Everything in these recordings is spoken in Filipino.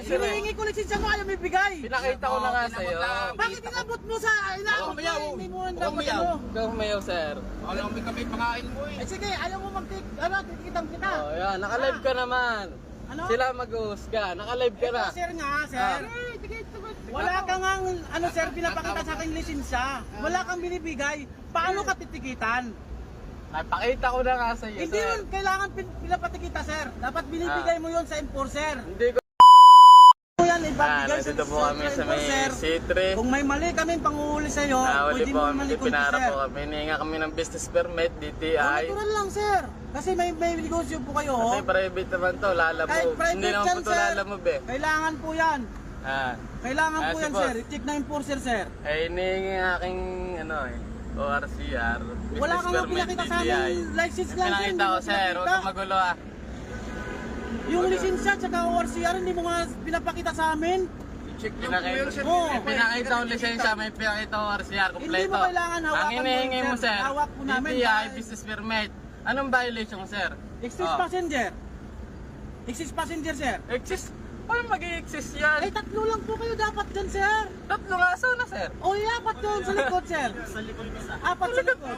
sir. Hinihingi ko lisensya mo, ayaw may bigay. Pinakita ko na nga sa'yo. Bakit inabot mo sa inaabot umayaw. mo? Hindi mo ang Huwag dapat umayaw. ano. Ikaw humayaw, sir. Alam mo kami pangain mo eh. Eh sige, ayaw mo titikitang kita. Oh, yan. Naka-live ka naman. Ano? Sila mag-uhusga. Naka-live ka na. Ito, sir nga, sir. Ah. Wala kang ano sir, pinapakita sa akin lisensya. Wala kang binibigay. Paano ka titikitan? Napakita ko na nga sa'yo, Hindi sir. yun kailangan pinapatikita, sir. Dapat binibigay mo yun sa enforcer. Hindi ko. Mo yan, ibabigay sa Nandito po kami sa may enforcer. C3. Kung may mali kami panguhuli sa'yo, Huli pwede po mo kami. malikod, Pinara sir. po kami. Hinihinga kami ng business permit, Oh, DTI. natural lang, sir. Kasi may negosyo po kayo, Kasi oh. private naman to, Kahit lalamove. private Hindi naman yan, po to sir. lalamove eh. Kailangan po yan. Kailangan po si yan, boss. sir. I-check na enforcer, sir. Eh, hinihingi ang aking, ORCR. Wala business kang nga permit, pinakita sa DTI. amin. License lang, sir. Pinakita Hindi ko, mo sir. Huwag pinakita. kang magulo ah. Yung lisensya at saka ORCR, hindi mo nga pinapakita sa amin. Check nyo po yun sir. Oo. Pinakita ko lisensya, may pinakita ko RCR Hindi kompleto. mo kailangan hawakan Ang hinihingi mo, mo, sir. sir, Hawak po namin. DTI, business permit. Anong violation, sir? Excess Oh. passenger. Excess passenger, sir. Exist? Paano mag-exist yan? Ay, tatlo lang po kayo dapat dyan, sir. Tatlo nga sana, sir. O, apat doon sa likod, sir. Apat sa likod.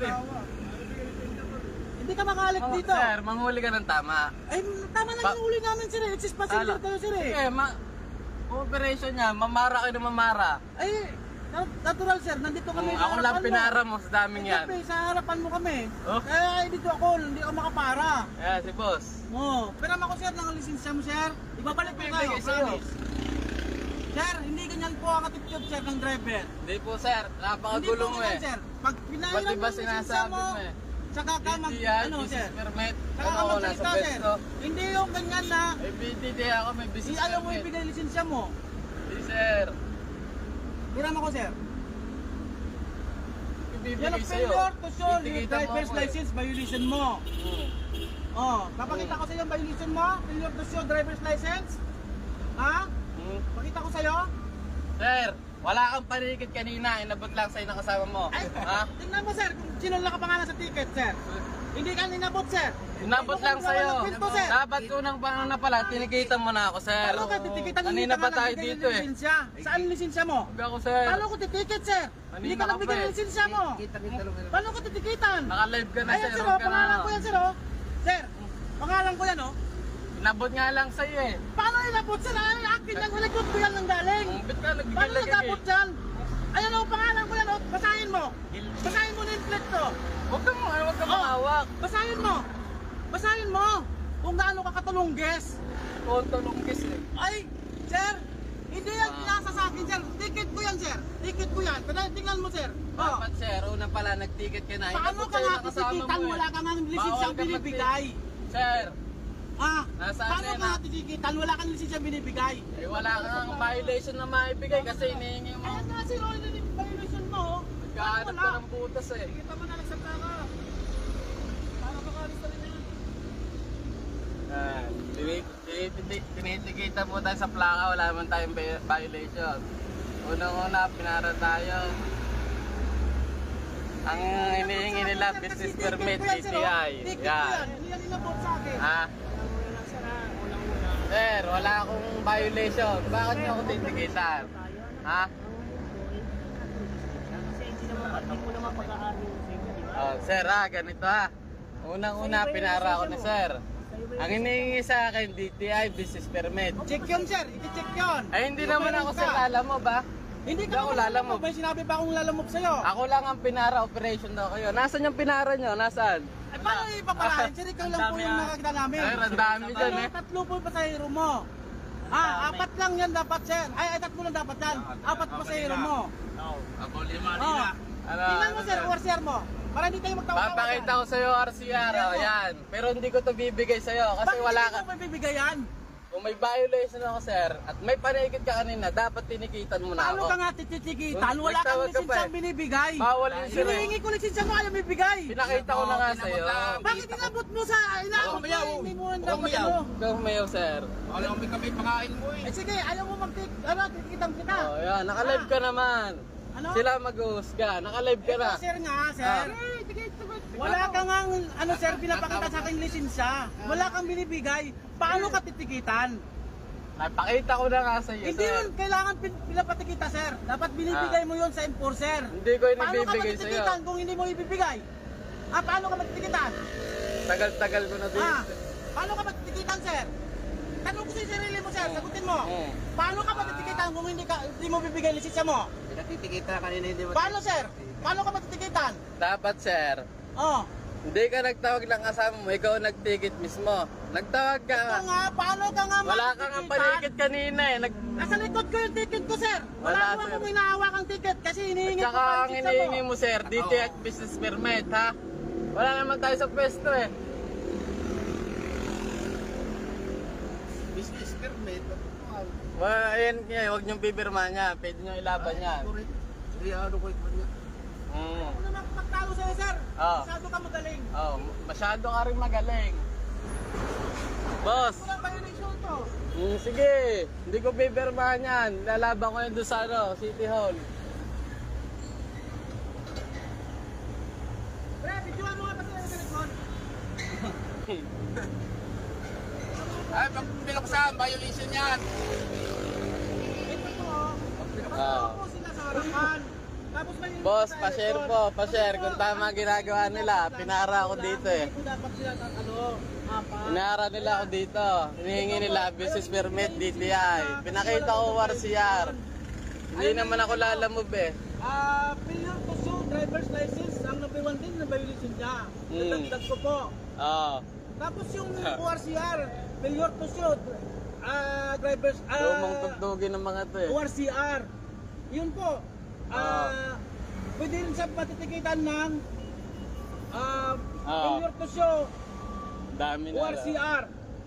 Hindi ka makalik Oh, dito. sir, manghuli ka ng tama. Ay, tama lang yung huli namin, sir. Excess passenger kayo, sir. Sige, operation niya, mamara kayo ng mamara. Ay, natural, sir. Nandito kami sa Ako lang harapan mo. pinara mo sa daming yan. Siyempre, sa harapan mo kami. Oh. Kaya dito ako, hindi ako makapara. Ayan, si boss. Oo. Pero ako, sir, ng lisensya mo, sir. Ibabalik ko kayo, Bibigay sa'yo. promise. Sir, hindi ganyan po ang attitude, sir, ng driver. Hindi po, sir. Napakagulo mo eh. Sir. Pag Ba't pinahiram di ba mo yung lisensya sinasabi mo, mo eh? saka ka mag, DTI, ano, sir. business permit. Saka ka Ano, nasa magsalita, sir. pwesto. Hindi yung ganyan na, Eh, BTD ako, may si business ayaw mo permit. ibigay lisensya mo. Hindi, sir. Hiram ako, sir. Yan Ibibigay ang sa'yo. failure to show your Titikita mo driver's ako eh. license violation mo. Oh, papakita ko sa iyo ang violation mo, failure to show driver's license. Ha? Pakita ko sa iyo. Sir, wala kang panikit kanina. Inabot lang sa'yo ng kasama mo. Ay, Ha? tingnan mo, sir, kung sino nakapangalan sa ticket, sir. Hindi ka ninabot, sir. Inabot lang sa'yo. Kwento, sir. Dapat unang panahon na pala, tinikitan mo na ako, sir. Paano ka titikitan? Kanina pa tayo dito eh. Lisensya. Saan lisensya mo? Huwag ako, sir. Paano ko titikit, sir? Hindi ka Kanina ka nagbigay pa ng eh. lisensya mo. Paano ko titikitan? Naka-live ka na, Ayan, sir. sir, Huwag oh, ka na. pangalan ko yan, sir, oh. Sir, pangalan ko yan, oh. Inabot nga lang sa'yo eh. Paano inabot, sir? Ay, akin yan, likod ko yan ng galing. Ba't ka Paano nagbibilag nagabot dyan? Ayan, oh, pangalan ko yan, oh. Basahin mo. Basahin mo na yung plate to. Huwag kang Oh. mahawak. Basahin mo. Basahin mo. Kung gaano ka katulungges. Konto lungkis eh. Ay, sir, hindi yan pinasa sa akin, sir. Ticket ko yan, sir. Ticket ko yan. Tingnan mo, sir. Oh. Dapat, sir. Una pala, nag-ticket ka na. Paano Inabot ka sa'yo nga ng kasama titikitan? mo eh. Wala ka nga ng lisensyang Bawal ka binibigay. Sir, Ah, Nasaan paano yan, ka nga ah? titikitan? Wala kang lisensyang binibigay. eh wala kang violation na maibigay kasi hinihingi mo. Ayan nga, sir. Oh, yun yung violation mo, oh. Nagkahanap ka ng butas eh. Kita mo na, nagsabta ka. Paano ka kalis na rin yan? Tinitikita mo tayo sa plaka, wala naman tayong violation. Unang-una, pinara tayo. Ang hinihingi nila, business permit, DTI. Ticket ko Yan. yan. Hindi yan inabot sa akin. Ha? Sir, wala akong violation. Bakit niyo ako titikitan? Ha? Oh, sir ganito ha. Unang-una, pinara ako ni sir. Ang hinihingi sa akin, DTI, business permit. Check yun, sir. I-check yun. Ay, hindi naman ako sir, alam mo ba? Hindi Hindi ka ako naman lalamove. May sinabi pa akong lalamove sa'yo. Ako lang ang pinara, operation daw kayo. Nasaan yung pinara nyo? Nasaan? Ay, paano ipaparahin? Sir, ikaw lang po yung nakakita namin. Sir, ang dami dyan eh. Tatlo po yung pasahero mo. Apat lang yan dapat, sir. Ay, tatlo lang dapat yan. Apat pasahero mo. Ako lima Oh. nila. Tingnan mo, sir, ORCR mo. Para hindi tayo magtawa-tawa. Papakita ko sa'yo RCR, oh, yan. Pero hindi ko to bibigay sa'yo kasi wala ka. Bakit hindi mo mabibigayan? Kung may violation ako, sir, at may panikit ka kanina, dapat tinikitan mo na Paano ako. ka nga tititikitan? Wala kang Nagtawag ka pa lisensyang eh. binibigay. Bawal yun, sir. Hinihingi ko lisensya mo, ayaw bibigay. Pinakita ko na nga sa'yo. Bakit inabot mo sa inaabot mo? umayaw. Hindi mo ang Huwag dapat umayaw. ano. Ikaw humayaw, sir. Alam mo kami pangain mo eh. Eh sige, ayaw mo titikitang kita. Oh, yan. Naka-live ka naman. Ano? Sila mag-uhusga. Naka-live ka na. Ito, sir nga, sir. Ah. Wala ka nga, sir, pinapakita sa akin lisensya. Wala kang binibigay. Paano ka titikitan? Napakita ko na nga sa iyo, Hindi sir. yun kailangan pinapatikita, sir. Dapat binibigay mo yun sa enforcer. Hindi ko Paano ka inibibigay sa iyo. matitikitan kung hindi mo ibibigay? Paano ka matitikitan? Tagal-tagal ko na din. Paano ka matitikitan, sir? Tanong ko sa sarili mo, sir. Sagutin mo. Paano ka matitikitan kung hindi mo bibigay lisensya mo? Pinatitikita kanina hindi mo. Paano, sir? Paano ka matitikitan? Dapat, sir. Oh. Hindi ka nagtawag ng kasama mo, ikaw nag-ticket mismo. Nagtawag ka. Ito nga, paano ka nga Wala ka nga paligid kanina eh. Nasa likod ko yung ticket ko, sir. Wala, Wala sir. akong hinahawak ang ticket kasi hinihingi ko Tsaka pa ang yung lisensya hinihingi mo. mo, sir, DTI business permit, ha? Wala naman tayo sa pwesto eh. Business permit. Well, huwag niyong pipirma niya. Pwede niyong ilaban yan. Hindi ano ko ito niya. Ako naman magtalo sa'yo, sir. Oh. Masyado ka magaling. Oh, masyado ka rin magaling. Boss, Walang violation to. sige. Hindi ko pipirmahan yan. Lalaban ko yun doon sa City Hall. Pre, videoan mo nga pa sila sa likod. Ay, pag binuksan, violation yan. Ito to, oh. Ah. Pagkakao po sila sa harapan. Tapos may Boss, pa-share po, pa-share. Kung tama ginagawa nila, pinara ako dito eh. Hindi po dapat sila apa. Pinara nila ako dito. Hinihingi nila business permit, DTI. Pinakita ko WRCR. Hindi naman ako lalamove eh. Failure to show driver's license, ang number 1 din na violation niya. Nadagdag ko po. Oo. Tapos yung ORCR, failure to show driver's Lumang tugtugin ng mga to eh. ORCR. Yun po. Pwede rin sa patitikitan ng failure to show Dami na. ORCR.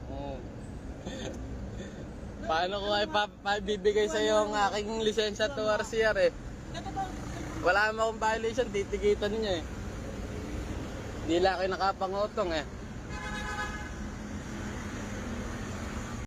Paano ko ay bibigay sa iyo ang aking lisensya to RCR eh? Ito to. Wala mo akong violation, titigitan niya eh. Hindi lang kayo nakapangutong eh.